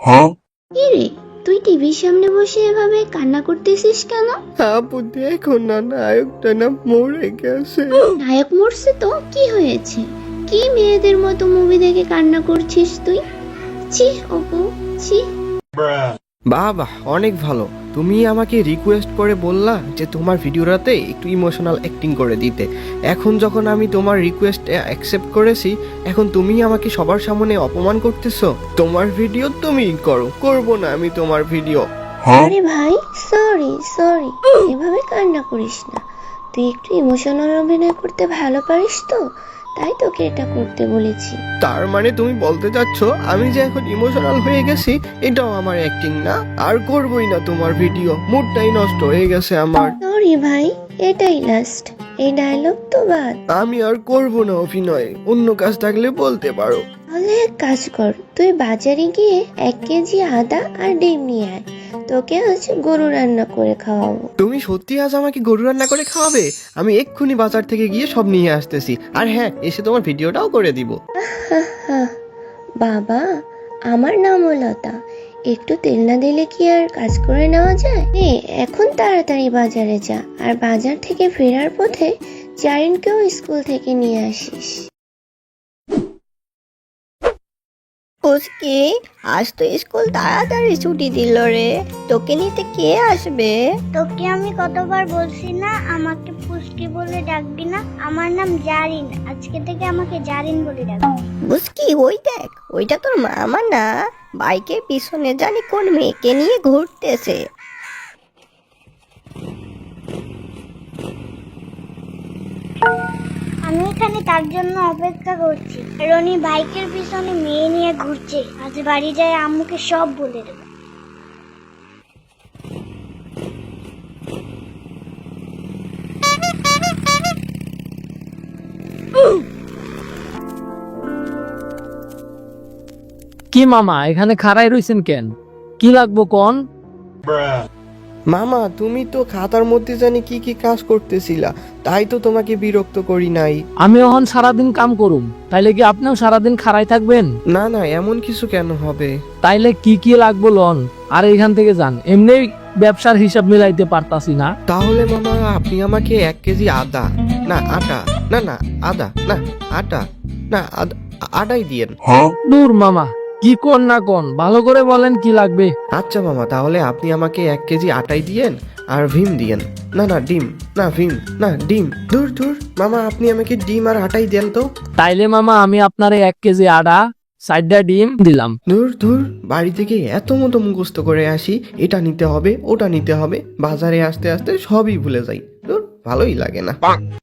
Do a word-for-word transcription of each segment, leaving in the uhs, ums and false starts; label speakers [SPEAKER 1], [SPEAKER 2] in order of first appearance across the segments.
[SPEAKER 1] কি রে, তুই টিভির সামনে বসে এভাবে কান্না করতেছিস কেন?
[SPEAKER 2] আপু দেখো না, নায়কটা না মরে গেছে।
[SPEAKER 1] নায়ক মরছে তো কি হয়েছে? কি মেয়েদের মতো মুভি দেখে কান্না করছিস তুই? ছি অপু, ছি।
[SPEAKER 2] বাবা অনেক ভালো, তুমি আমাকে রিকোয়েস্ট করে বললা যে তোমার ভিডিওটাতে একটু ইমোশনাল অ্যাক্টিং করে দিতে। এখন যখন আমি তোমার রিকোয়েস্ট অ্যাকসেপ্ট করেছি, এখন তুমি আমাকে সবার সামনে অপমান করতেছো। তোমার ভিডিও তুমি করো, করব না আমি তোমার ভিডিও।
[SPEAKER 1] আরে ভাই, সরি সরি, এভাবে কান্না করিস না। তুই একটু ইমোশনাল অভিনয় করতে ভালো পারিস তো, তাই তোকে এটা করতে বলেছি।
[SPEAKER 2] তার মানে তুমি বলতে চাচ্ছ আমি যে এখন ইমোশনাল হয়ে গেছি এটাও আমার অ্যাক্টিং না? আর করবই না তোমার ভিডিও, মুডটাই নষ্ট হয়ে গেছে আমার।
[SPEAKER 1] সরি ভাই, এটাই লাস্ট, এই ডায়লগ তো বাদ।
[SPEAKER 2] আমি আর করব না অভিনয়, অন্য কাজ থাকলে বলতে পারো।
[SPEAKER 1] তাহলে এক কাজ কর, তুই বাজারে গিয়ে এক কেজি আদা আর ডিম নিয়ে আয়, তোকে আজ গরু রান্না করে খাওয়াবো।
[SPEAKER 2] তুমি সত্যি আজ আমাকে গরু রান্না করে খাওয়াবে? আমি এক্ষুনি বাজার থেকে গিয়ে সব নিয়ে আসতেছি, আর হ্যাঁ এসে তোমার ভিডিওটাও করে দিব।
[SPEAKER 1] বাবা, আমার নামও লতা, একটু তেল না দিলে কি আর কাজ করে নেওয়া যায়? নে, এখন তাড়াতাড়ি বাজারে যা, আর বাজার থেকে ফেরার পথে জারিনকেও স্কুল থেকে নিয়ে আসিস।
[SPEAKER 3] পুচকি, আজ তো স্কুল তাড়াতাড়ি ছুটি দিল রে, তোকে নিতে কে আসবে?
[SPEAKER 4] তোকে আমি কতবার বলছি না আমাকে পুচকি বলে ডাকবি না? আমার নাম জারিন, আজকে থেকে আমাকে জারিন বলে ডাকবি।
[SPEAKER 3] পুচকি, ওই দেখ, ওইটা তোর মামা না? বাইকের পিছনে জানি কোন মেয়েকে নিয়ে ঘুরতেছে।
[SPEAKER 4] আমি এখানে তার জন্য অপেক্ষা করছি। রনি বাইকের পিছনে মেয়ে নিয়ে ঘুরছে, আজ বাড়ি যায় আম্মুকে সব বলে দেবো।
[SPEAKER 5] কি মামা এখানে খাড়াই রইছেন কেন? কি লাগবো কোন?
[SPEAKER 2] মামা তুমি তো খাতার মধ্যে জানি কি কি কাজ করতেছিলা, তাই তো তোমাকে বিরক্ত করি নাই।
[SPEAKER 5] আমি এখন সারাদিন কাম করুম, তাইলে কি আপনিও সারাদিন খাড়াই থাকবেন?
[SPEAKER 2] না না, এমন কিছু কেন হবে?
[SPEAKER 5] তাইলে কি কি লাগবো লন, আর এখান থেকে যান, এমনি ব্যবসার হিসাব মিলাইতে পারতাছি না।
[SPEAKER 2] তাহলে মামা আপনি আমাকে এক কেজি আদা, না আটা, না না আদা, না আটা, না আদা- আটাই দিয়েন।
[SPEAKER 5] দূর মামা, কি কোন না কোন, ভালো করে বলেন কি লাগবে।
[SPEAKER 2] আচ্ছা মামা, তাহলে আপনি আমাকে এক কেজি আটাই দিয়েন, আর ভীম দিয়েন। না না ডিম, না ভীম, না ডিম। দূর দূর মামা, আপনি আমাকে ডিম আর আটাই দেন তো।
[SPEAKER 5] তাইলে মামা আমি আপনারে এক কেজি আদা, চারটা ডিম দিলাম।
[SPEAKER 2] দূর দূর, বাড়ি থেকে এত মতো মুখস্থ করে আসি, এটা নিতে হবে ওটা নিতে হবে, বাজারে আসতে আসতে সবই ভুলে যাই। দূর, ভালোই লাগে না।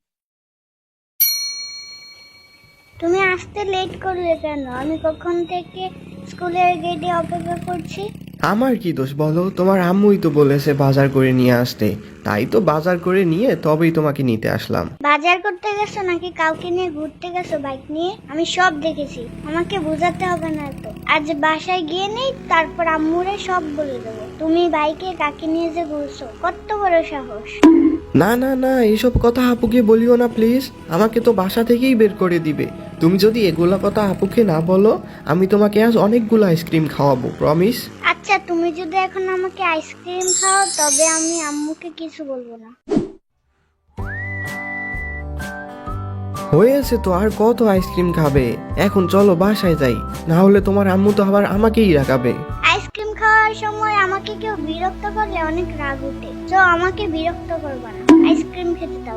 [SPEAKER 4] তুমি আসতে লেট করলে কেন? আমি কখন থেকে স্কুলের গেটে অপেক্ষা করছি।
[SPEAKER 2] আমার কি দোষ বলো? তোমার আম্মুই তো বলেছে বাজার করে নিয়ে আসতে, তাই তো বাজার করে নিয়ে তবেই তোমাকে নিতে আসলাম।
[SPEAKER 4] বাজার করতে গেছো নাকি কাউকে নিয়ে ঘুরতে গেছো বাইক নিয়ে? আমি সব দেখেছি, আমাকে বোঝাতে হবে না তো। আজ বাসায় গিয়ে নেই, তারপর আম্মুরে সব বলে দেবো তুমি বাইকে কাকে নিয়ে যে ঘুরছো। কত বড় সাহস!
[SPEAKER 2] না না না, এইসব কথা আপুকে বলিও না প্লিজ, আমাকে তো বাসা থেকেই বের করে দিবে। তুমি যদি এগুলা কথা আপুকে না বলো, আমি তোমাকে আজ অনেকগুলো আইসক্রিম খাওয়াবো, প্রমিস।
[SPEAKER 4] আচ্ছা, তুমি যদি এখন আমাকে আইসক্রিম খাও তবে আমি আম্মুকে কিছু বলবো না।
[SPEAKER 2] হয়েছে তো, আর কত আইসক্রিম খাবে? এখন চলো বাসায় যাই, না হলে তোমার আম্মু তো আবার আমাকেই রাখাবে।
[SPEAKER 4] আইসক্রিম খাওয়ার সময় আমাকে কেউ বিরক্ত করলে অনেক রাগ উঠে, তো আমাকে বিরক্ত করবে না, আইসক্রিম খেতে দাও।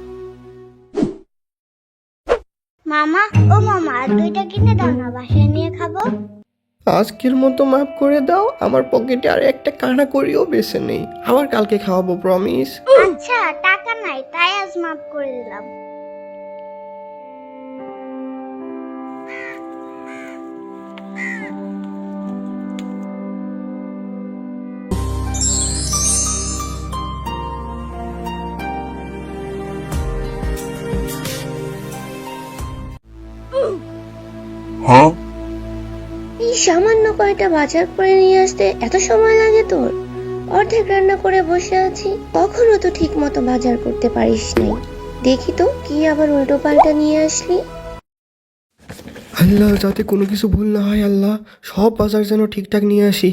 [SPEAKER 4] মামা, ও মামা, আর দুইটা কিনে দাও না, বাসায় নিয়ে খাবো।
[SPEAKER 2] আজকের মতো মাফ করে দাও, আমার পকেটে আর একটা কানা করিও বেছে নেই, আবার কালকে খাওয়াবো, প্রমিস।
[SPEAKER 4] আচ্ছা, টাকা নাই তাই আজ মাফ করে দিলাম।
[SPEAKER 1] এই সামান্য কয়টা বাজার করে নিয়ে আসতে এত সময় লাগে তোর? অর্ধেক রান্না করে বসে আছি, কখনো তো ঠিক মতো বাজার করতে পারিস নাই। দেখি তো কি আবার উল্টো পাল্টা নিয়ে আসলি।
[SPEAKER 2] আল্লাহ, যাতে কোনো কিছু ভুল না হয় আল্লাহ, সব বাজার যেন ঠিকঠাক নিয়ে আসি।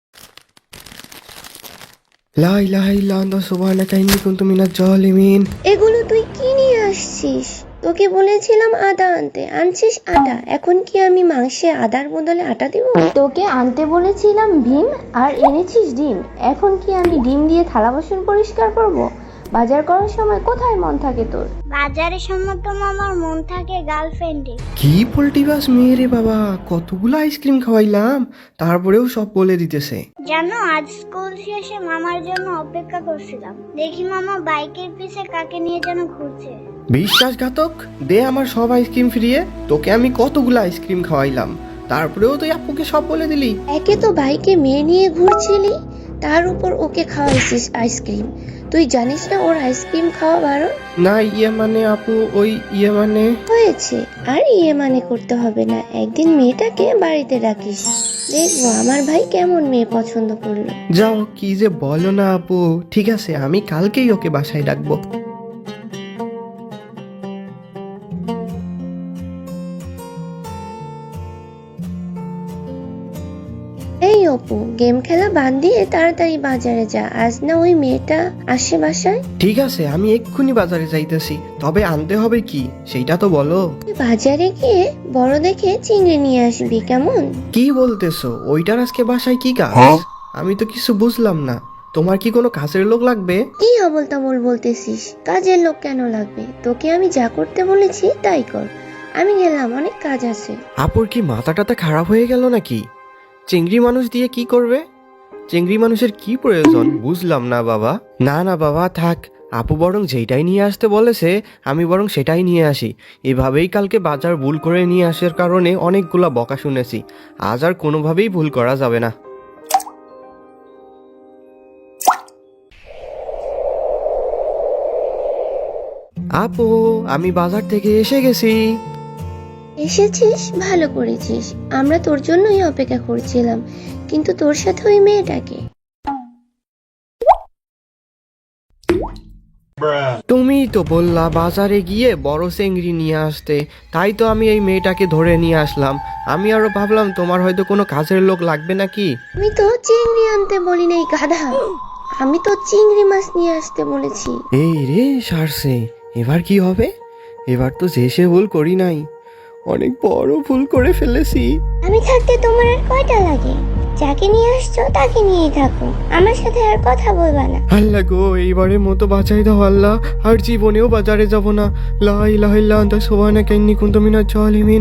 [SPEAKER 2] লা ইলাহা ইল্লা আনতা সুবহানাকা ইন্নী কুনতু মিনাজ জালিমিন।
[SPEAKER 1] এগুলো তুই কি নিয়ে আসছিস? তোকে বলেছিলাম আদা আনতে, আনছিস আটা। এখন কি আমি মাংসে আদার বদলে আটা দিব? তোকে আনতে বলেছিলাম ডিম আর এনেছিস ডিম। এখন কি আমি ডিম দিয়ে থালা বাসন পরিষ্কার করব? বাজার করার সময় কোথায় মন থাকে তোর?
[SPEAKER 4] বাজারের সময় তো মামার মন থাকে গার্লফ্রেন্ডে।
[SPEAKER 2] কি পোল্টিবাস মেয়ে রে বাবা, কতগুলো আইসক্রিম খাওয়াইলাম, তারপরেও সব বলে দিতেছে।
[SPEAKER 4] জানো, আজ স্কুল শেষে মামার জন্য অপেক্ষা করছিলাম, দেখি মামা বাইকের পিছে কাকে নিয়ে যেন ঘুরছে।
[SPEAKER 2] বিশ্বাসঘাতক, দে আমার সব আইসক্রিম ফিরিয়ে। তোকে আমি কতগুলো আইসক্রিম খাওয়াইলাম, তারপরেও তুই আপুকে সব বলে দিলি।
[SPEAKER 1] একে তো বাইকে মেয়ে নিয়ে ঘুরছিলি, তার উপর ওকে খাওয়াইছিস আইসক্রিম। তুই জানিস না ওর আইসক্রিম খাওয়া বারণ?
[SPEAKER 2] না ইয়ে মানে আপু, ওই ইয়ে মানে।
[SPEAKER 1] হয়েছে, আর ইয়ে মানে করতে হবে না। একদিন মেয়েটাকে বাড়িতে রাখিস, দেখবো আমার ভাই কেমন মেয়ে পছন্দ করলো।
[SPEAKER 2] যাও, কি যে বলো না আপু। ঠিক আছে, আমি কালকেই ওকে বাসায় ডাকবো।
[SPEAKER 1] এই অপু, গেম খেলা বাদ দিয়ে তাড়াতাড়ি বাজারে যা, আজ না ওই মেয়েটা আসে বাসায়।
[SPEAKER 2] ঠিক আছে, আমি এক্ষুনি বাজারে যাইতেছি, তবে আনতে হবে কি সেইটা তো বলো।
[SPEAKER 1] তুই বাজারে গিয়ে বড় দেখে চিংড়ি নিয়ে আসবি, কেমন?
[SPEAKER 2] কি বলতেছো? ওইটার আজকে বাসায় কি কাজ? আমি তো কিছু বুঝলাম না। তোমার কি কোনো কাজের লোক লাগবে?
[SPEAKER 1] কি আবল তাবল বলতেছিস? কাজের লোক কেন লাগবে? তোকে আমি যা করতে বলেছি তাই কর। আমি গেলাম, অনেক কাজ আছে।
[SPEAKER 2] আপুর কি মাথাটাতে খারাপ হয়ে গেল নাকি? চিংড়ি মানুষ দিয়ে কি করবে? চিংড়ি মানুষের কি প্রয়োজন বুঝলাম না বাবা। না না বাবা, থাক। আপু বরং যেটাই নিয়ে আসতে বলেছে আমি বরং সেটাই নিয়ে আসি। এভাবেই কালকে বাজার ভুল করে নিয়ে আসার কারণে অনেকগুলা বকা শুনেছি। আজ আর কোনোভাবেই ভুল করা যাবে না। আপু, আমি বাজার থেকে এসে গেছি।
[SPEAKER 1] এসেছিস, ভালো করেছিস। আমরা তোর জন্যই অপেক্ষা করছিলাম, কিন্তু তোর সাথে ওই মেয়েটাকে।
[SPEAKER 2] তুমি তো বললা বাজারে গিয়ে বড় চিংড়ি নিয়ে আসতে, তাই তো আমি এই মেয়েটাকে ধরে নিয়ে আসলাম। আমি আরো ভাবলাম তোমার হয়তো কোনো কাজের লোক লাগবে নাকি।
[SPEAKER 1] আমি তো চিংড়ি আনতে বলি নাই গাধা, আমি তো চিংড়ি মাছ নিয়ে আসতে বলেছি।
[SPEAKER 2] এই রে সারছে, এবার কি হবে? এবার তো যে সে ভুল করি নাই, অনেক বড় ভুল করে ফেলেছি।
[SPEAKER 1] আমি থাকতে তোমার আর কয়টা লাগে? যাকে নিয়ে আসছো তাকে নিয়েই থাকো, আমার সাথে আর কথা বলবা না।
[SPEAKER 2] আল্লাহ গো, এইবারের মতো বাঁচাই দাও আল্লাহ, আর জীবনেও বাজারে যাব না। লা ইলাহা ইল্লা আনতা সুবহানাকা ইন্নী কুনতু মিনাজ জালিমিন।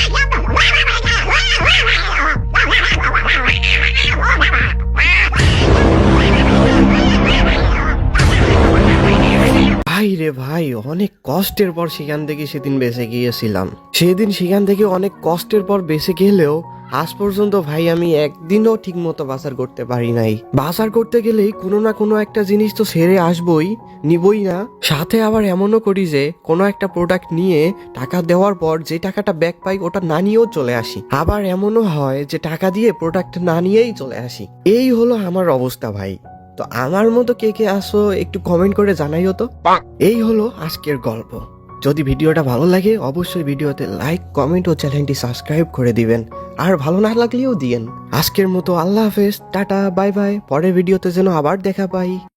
[SPEAKER 2] ভাই রে ভাই, অনেক কষ্টের পর সেখান থেকে সেদিন বেঁচে গিয়েছিলাম। সেদিন সেখান থেকে অনেক কষ্টের পর বেঁচে গেলেও আজ পর্যন্ত ভাই আমি একদিনও ঠিক মতো বাজার করতে পারি নাই। বাজার করতে গেলেই কোনো না কোনো একটা জিনিস তো ছেড়ে আসবই, নিবই না। সাথে আবার এমনও করি যে কোনো একটা প্রোডাক্ট নিয়ে টাকা দেওয়ার পর যে টাকাটা ব্যাক পাই ওটা না নিয়েও চলে আসি। আবার এমনও হয় যে টাকা দিয়ে প্রোডাক্ট না নিয়েই চলে আসি। এই হলো আমার অবস্থা ভাই। তো আমার মতো কে কে আসো একটু কমেন্ট করে জানাইও তো। এই হলো আজকের গল্প। যদি ভিডিওটা ভালো লাগে অবশ্যই ভিডিওতে লাইক, কমেন্ট ও চ্যানেলটি সাবস্ক্রাইব করে দিবেন, আর ভালো না লাগলেও দিয়েন। আজকের মতো আল্লাহ হাফেজ, টাটা, বাই বাই। পরের ভিডিওতে যেন আবার দেখা পাই।